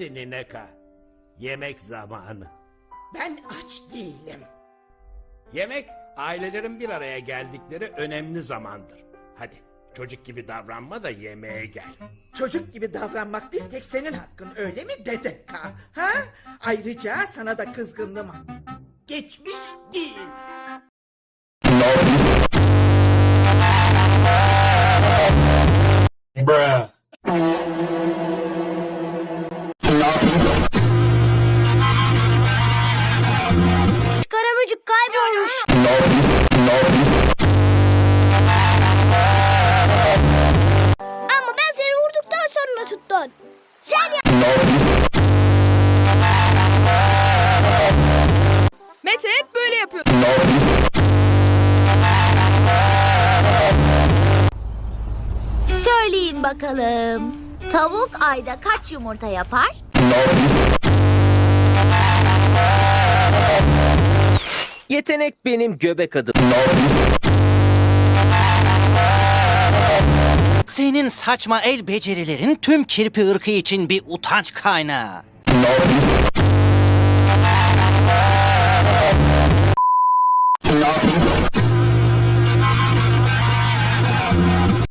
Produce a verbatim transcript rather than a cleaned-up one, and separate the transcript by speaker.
Speaker 1: Hadi Nineka. Yemek zamanı.
Speaker 2: Ben aç değilim.
Speaker 1: Yemek ailelerin bir araya geldikleri önemli zamandır. Hadi çocuk gibi davranma da yemeğe gel.
Speaker 2: Çocuk gibi davranmak bir tek senin hakkın, öyle mi Dedeka? Ha? Ayrıca sana da kızgınlığım var. Geçmiş değil.
Speaker 1: Bruh.
Speaker 3: Karaböcük kaybolmuş. Ama ben seni vurduktan sonra tuttun. Sen ya...
Speaker 4: Mete hep böyle yapıyor.
Speaker 5: Söyleyin bakalım. Tavuk ayda kaç yumurta yapar?
Speaker 6: Yetenek benim göbek adım.
Speaker 7: Senin saçma el becerilerin tüm kirpi ırkı için bir utanç kaynağı.